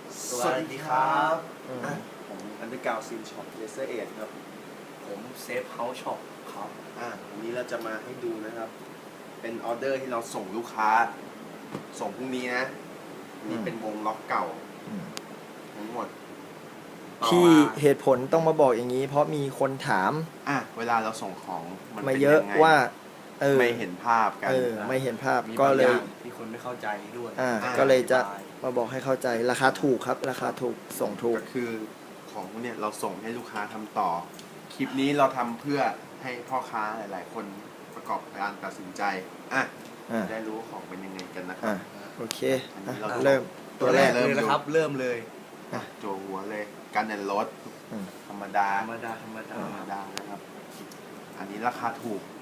สวัสดีครับผมอันเดอร์กราวซีนช็อปเลเซอร์เอทครับผมเซฟเฮาส์ช็อปครับวันนี้เราจะมาให้ดูนะครับ เป็นออเดอร์ที่เราส่งลูกค้า ส่งพรุ่งนี้นะนี่เป็นวงล็อกเก่าทั้งหมดที่เหตุผลต้องมาบอกอย่างนี้ เพราะมีคนถามเวลาเราส่งของมันมาเยอะว่าไม่เห็นภาพกันไม่เห็นภาพก็เลยมีคนไม่เข้าใจด้วยก็เลยจะมาบอกให้เข้าใจราคาถูกครับราคาถูกส่งถูกก็คือของเนี่ยเราส่งให้ลูกค้าทำต่อคลิปนี้เราทำเพื่อให้พ่อค้าหลายๆคนประกอบการตัดสินใจได้รู้ของเป็นยังไงกันนะครับโอเคเริ่มตัวแรกเลยนะครับเริ่มเลยโจหัวเลยกันแอนรถธรรมดานะครับ อันนี้ราคาถูก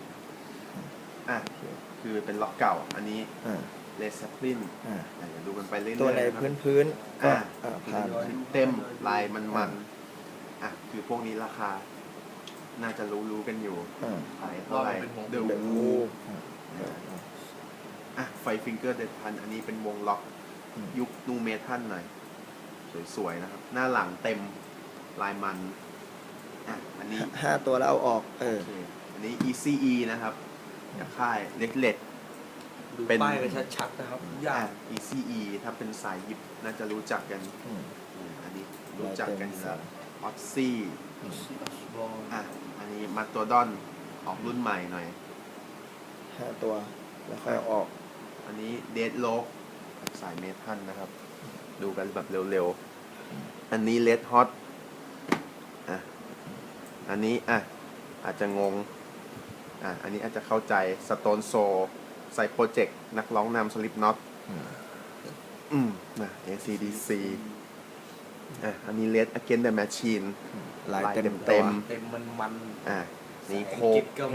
คือเป็นล็อกเก่าอันนี้เลสปลินเดี๋ยวดูกันไปเรื่อยๆตัวในพื้นก็ผ่านเต็มลายมันคือพวกนี้ราคาน่าจะรู้กันอยู่ขายเท่าไหร่เดือดงูไฟฟิงเกอร์เดดพันอันนี้เป็นวงล็อกยุคนูเมทัลหน่อยสวยๆนะครับหน้าหลังเต็มลายมันอันนี้ 5ตัวแล้วเอาออกอันนี้ ECE นะครับจากค่ายเล็กดูป้ายกันชัดๆนะครับ ECE ถ้าเป็นสายยิบน่าจะรู้จักกันอันนี้รู้จักกันแล้วออ z ซี่อันนี้มาตัวดอนออกรุ่นใหม่หน่อย 5ตัวแล้วค่อยออกอันนี้เดดโลกสายเมทัลนะครับดูกันแบบเร็วๆอันนี้เลดฮอตอันนี้อาจจะงงอันนี้อาจจะเข้าใจสโตนโซไซโปรเจกต์นักร้องนำสลิปน็อตACDC อันนี้ Red Against the Machine ลายเต็มมันนี่โคเพ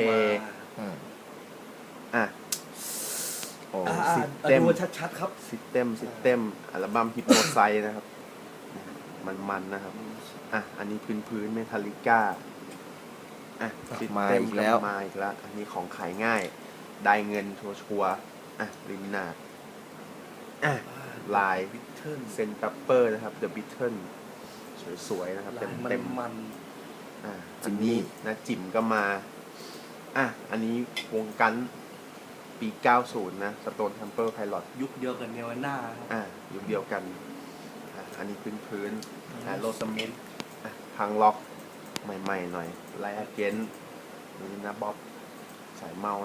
ซิสเต็มชัดๆครับซิสเต็มอัลบั้มฮิปโนไซนะครับมันนะครับอันนี้พื้นเมทัลลิก้ามาอีกแล้วอันนี้ของขายง่ายได้เงินชัวร์ริมนาดลายเซนตัปเปอร์นะครับ The Beatle สวยๆนะครับเต็มอันนี้นะจิ๋มก็มาอันนี้วงกันปี 90 นะ Stone Temple Pilot ยุคเดียวกันเนวาน่ายุคเดียวกันอันนี้พื้นโรสมิธพังล็อกใหม่ๆหน่อยไลท์อเกนนี่นะบ๊อบสายเมา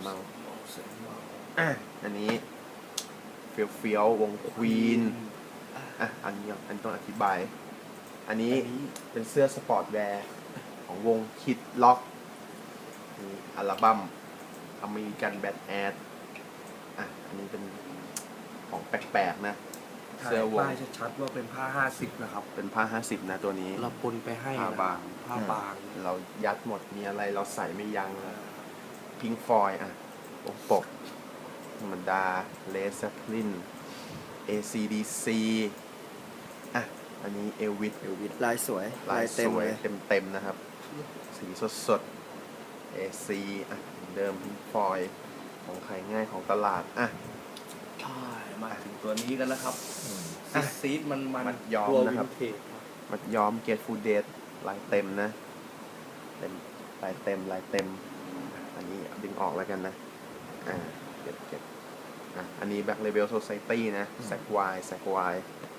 อันนี้เฟียววงควีนอันนี้ต้องอธิบายอันนี้เป็นเสื้อสปอร์ตแวร์ของวงคิดล็อกอัลบั้มอเมริกันแบดแอดอันนี้เป็นของแปลกๆนะเสื้อวงป้ายชัดๆว่าเป็นผ้า50นะครับเป็นผ้า50นะตัวนี้เราปนไปให้ผ้าบางเรายัดหมดมีอะไรเราใส่ไม่ยั้งพิงฟอยปกธรรมดาเลสปลิน ACDC อันนี้เอลวิสลายสวยเต็มนะครับสีสดAC เดิมพิงฟอยของขายง่ายของตลาดใช่มาถึงตัวนี้กันแล้วครับซีดมันย้อมนะครับมันย้อมเกตฟูเดสลายเต็มนะลายเต็มอันนี้ดึงออกแล้วกันนะเก็บอันนี้ Black Label Society นะแซกวาย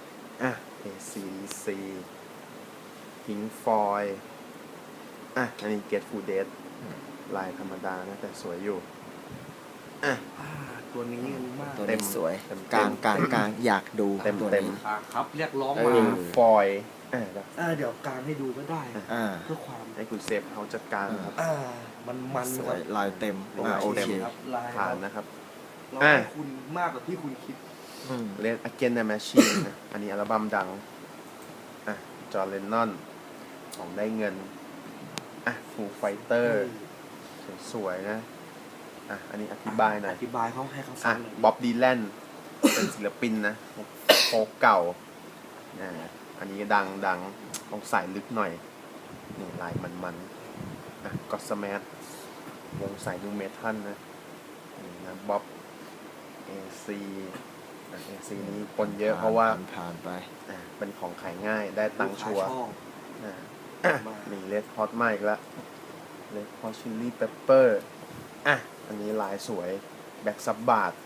ACDC Pink Floyd อันนี้ Get Food Dead ลายธรรมดานะแต่สวยอยู่ตัวนี้มากตัวนี้สวยกลางอยากดูเต็มครับเรียกร้องมา Pink Floyd เดี๋ยวกลางให้ดูก็ได้เพื่อความให้คุณเซฟเขาจัดการครับมันสวยลายเต็มโอเคครับผ่านนะครับเราให้คุณมากกว่าที่คุณคิดเล่น Against the Machine อันนี้อัลบั้มดังจอห์น เลนนอนของได้เงินFoo Fighter สวยนะอันนี้อธิบายหน่อยอธิบายเขาให้เขาฟังบ๊อบดีแลนเป็นศิลปินนะโฟกเก่าอันนี้ดังต้องใส่ลึกหน่อยนี่ลายมันก็สแมทวงสายนูเมทัลนะบ๊อบAC AC นี้ปนเยอะเพราะว่าผ่านไปเป็นของขายง่ายได้ตังค์ชัวร์ลูกค้าชอบมีเลดฮอตมาอีกแล้วเลดฮอตชิลลี่เปปเปอร์อันนี้ลายสวยแบ็กซับบาท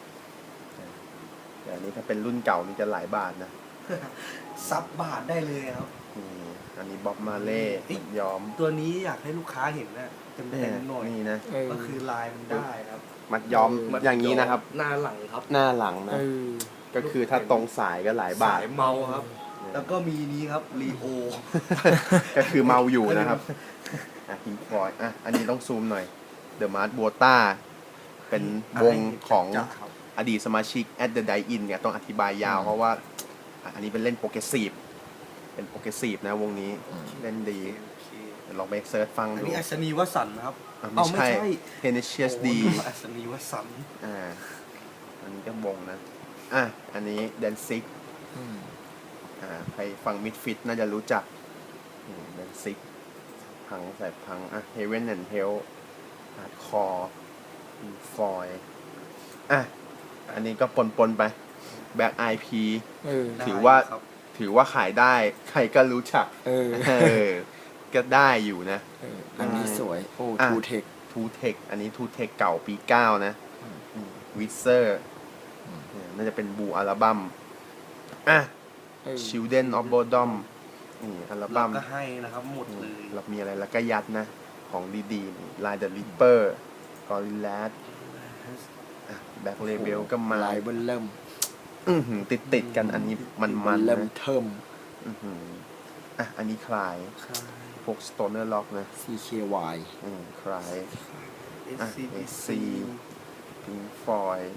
แต่อันนี้ถ้าเป็นรุ่นเก่านี่จะหลายบาทนะซับบาทได้เลยครับนี่อันนี้บ๊อบมาเล่เฮ้ยย้อมตัวนี้อยากให้ลูกค้าเห็นนะเต็มๆหน่อยนี่นะก็คือลายมันได้ครับมัดย้อมอย่างนี้นะครับหน้าหลังครับหน้าหลังนะ ก็คือถ้าตรงสายก็หลายบาสาทยเมาครับ แล้วก็มีนี้ครับรีโอก็คือเมาอยู่นะครับพิงฟอยอันนี้ต้องซูมหน่อย The Mars Bota เป็นวงของอดีตสมาชิก At the Die-In เนี่ยต้องอธิบายยาวเพราะว่าอันนี้เป็นเล่นโปรเกรสซีฟเป็นโปรเกรสซีฟนะวงนี้เล่นดีเดี๋ยวลองไปเซิร์ชฟังอันดูนี้อัศนีวสันต์นะครับไม่ใช่ Tenacious D อัศนีวสันต์อันนี้ก็วงนะอันนี้ Danzig ใครฟัง Misfit น่าจะรู้จักDanzig พังใส่พังHeaven and Hell Hardcore Foil อันนี้ก็ปนไป Black IP ถือว่าขายได้ ใครก็รู้จักก็ได้อยู่นะอันนี้สวย โอ้ทูเทคทูเทคอันนี้ทูเทคเก่าปี 9 นะวิเซอร์น่าจะเป็นบูอัลบั้มChildren of Bodom อัลบั้มก็ให้นะครับหมดเลยเรามีอะไรแล้วก็ยัดนะ ของดีๆ Line the Ripper Gorillaz Back Label ก็มาลายเบิ้ลเริ่มติดกันอันนี้มันๆเริ่มนะเทิมอันนี้คลายพวก Stoner Rock นะ CKY คลาย SC Pink Floyd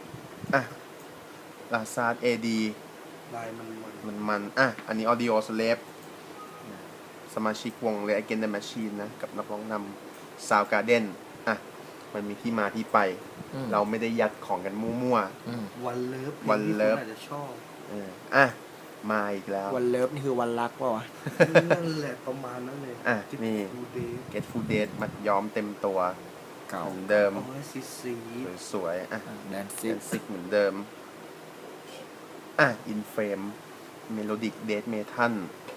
ลาซาร์ด AD ลายมันมันอันนี้ Audio Slave สมาชิกวง Rage Against the Machine นะ กับนักร้องนำ Soundgarden มันมีที่มาที่ไป เราไม่ได้ยัดของกันมั่ววันเลิฟวันเลิฟอาจจะชอบมาอีกแล้ววันเลิฟนี่คือวันรักเปล่าวะนั่นแหละประมาณนั้นเลยนี่ดูเดย์ Get Food Date มัดย้อมเต็มตัวเก่าเหมือนเดิมเอาไว้สีสวยๆแดนซิเป็นซิกเหมือนเดิมIn Frame Melodic Death Metal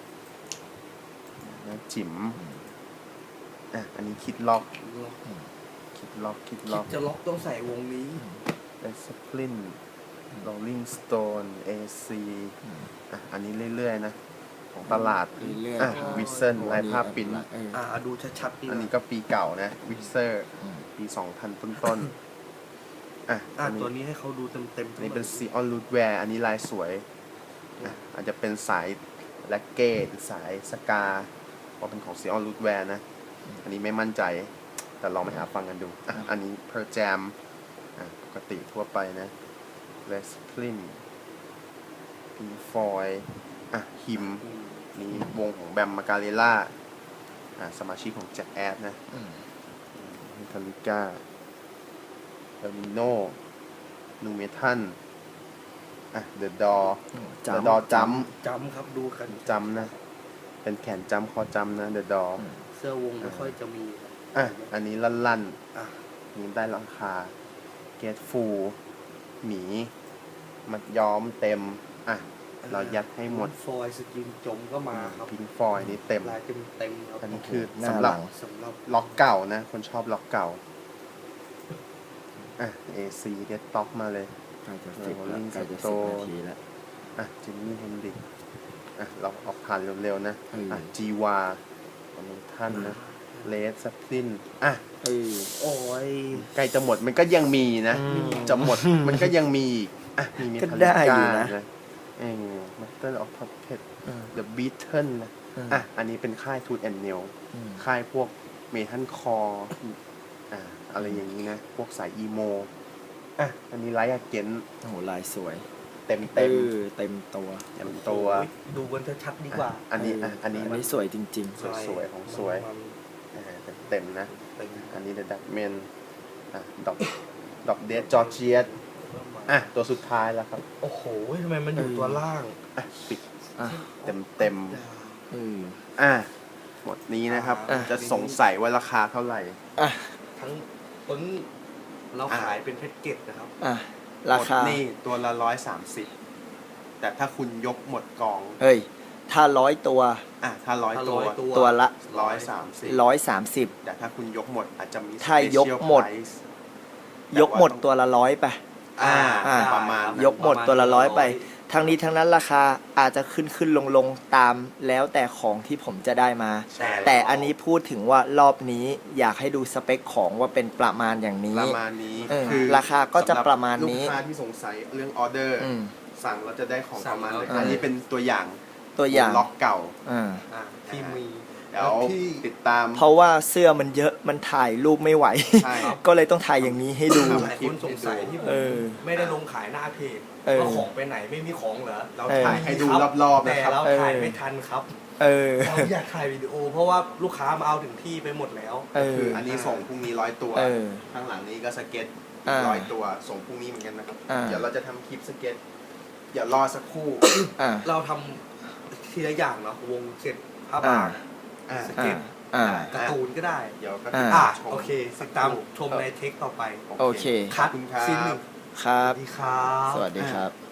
นะจิ๋มอันนี้คิดล็อกล็อกคิดล็อกจะล็อกต้องใส่วงนี้ Led Zeppelin Rolling Stone AC อันนี้เรื่อยๆนะ ของตลาดเรื่อยๆวิเซนลายภาพปิ้นดูชัดๆดีอันนี้ก็ปีเก่านะวิเซอร์ปี 2000 ต้นๆอันตัวนี้นี้ให้เขาดูเต็มๆอันนี้เป็น Sion Rootwear อันนี้ลายสวยอาจจะเป็นสายแล็กเก้หรือสายสกาเพราะเป็นของ Sion Rootwear นะ อันนี้ไม่มั่นใจ แต่ลองไปหาฟังกันดูอันนี้ Per Jam ปกติทั่วไปนะ Led Zeppelin Pink Floyd ฮิมนี่วงของแบมมาการเล่าสมาชิกของแจ็คแอดนะมิทาลิก้าเอลมิโนนูเมทัลเดอะดอจัมจำครับดูกันจำนะ เป็นแขนจำคอจำนะเดอะดอเสื้อวงไม่ค่อยจะมีอันนี้ลั่นนี่ได้ราคาเกตฟูหมีมัดย้อมเต็มเรายัดให้หมดฟอยสกินจมก็มาครับพิงฟอยนี่เต็มลายเต็มครับอันนี้คือหน้าสำหหลัรับงสำหรับล็อกเก่านะ คนชอบล็อกเก่าAC เดดต็อกมาเลยใกล้จะสิบแล้ว Rolling ใกล้จะ Stone 10 นาทีแล้วจิมมี่เฮนดิกเราออกผ่านเร็วๆนะจีวาของท่านนะเลสซัพลินโอ้ยใกล้จะหมดมันก็ยังมีนะ จะหมดมันก็ยังมีอีกมีเมก็ทัลได้ลิอยู่ก้านะมัตเตอร์ออฟพัพเพตเดอะบีเทิลนะอันนี้เป็นค่ายทูตแอนเนลค่ายพวกเมทัลคอร์อะไรอย่างนี้นะ พวกสายอีโมอันนี้ไลท์อาเกนโอ้โหลายสวยเต็มเต็มตัวตัวดูกันชัดๆดีกว่าอันนี้สวยจริงสวยของสวยเต็มนะ อันนี้เดอะดักเมนดอกเดดจอร์เจียสตัวสุดท้ายแล้วครับโอ้โหทำไมมันอยู่ตัวล่างปิดเต็มหมดนี้นะครับ จะสงสัยว่าราคาเท่าไหร่ทั้งปึ้งเราขายเป็นแพ็กเกจนะครับราคาหมดนี่ตัวละ130แต่ถ้าคุณยกหมดกองเฮ้ย ถ้า100 ตัวถ้า100 ตัวตัวละ 130 130 แต่ถ้าคุณยกหมดอาจจะมีถ้ายก special หมด price ยกหมดตัวละ100ไปอ่าประมาณนั้นยกหมดตัวละ100ไปทั้งนี้ทั้งนั้นราคาอาจจะขึ้นลงตามแล้วแต่ของที่ผมจะได้มาใช่แต่อันนี้พูดถึงว่ารอบนี้อยากให้ดูสเปคของว่าเป็นประมาณอย่างนี้ประมาณนี้คือ ราคาก็จะประมาณนี้ลูกค้าที่สงสัยเรื่องออเดอร์อืมสั่งเราจะได้ของประมาณไหนสั่งแล้วอันนี้เป็นตัวอย่างตัวอย่างล็อกเก่าอ่าที่มีเดี๋ยวติดตามเพราะว่าเสื้อมันเยอะมันถ่ายรูปไม่ไหวใช่ก็เลยต้องถ่ายอย่างนี้ให้ดูหลายคนสงสัยที่ผมเออไม่ได้ลงขายหน้าเพจเออว่าของไปไหนไม่มีของเหรอเราเออถ่ายให้ดูครอบๆแต่นะครับเราถ่ายไม่ทันครับเออเราอยากถ่ายวิดีโอ เพราะว่าลูกค้ามาเอาถึงที่ไปหมดแล้วเออคืออันนี้ส่งพรุ่งนี้100 ตัวเออข้างหลังนี้ก็สเก็ตอ่า 100 ตัวส่งพรุ่งนี้เหมือนกันนะครับอ่าเดี๋ยวเราจะทำคลิปสเก็ตอย่ารอสักครู่อ่าเราทำทีละอย่างเนาะวงเสร็จผ้าบางอ่าสเก็ตอ่าการ์ตูนก็ได้เดี๋ยวก็อ่าอ่ะชมโอเคติดตามชมในเทคต่อไปโอเคขอบคุณครัซีนหบนึ่งครับสวัสดีครับสวัสดีครับ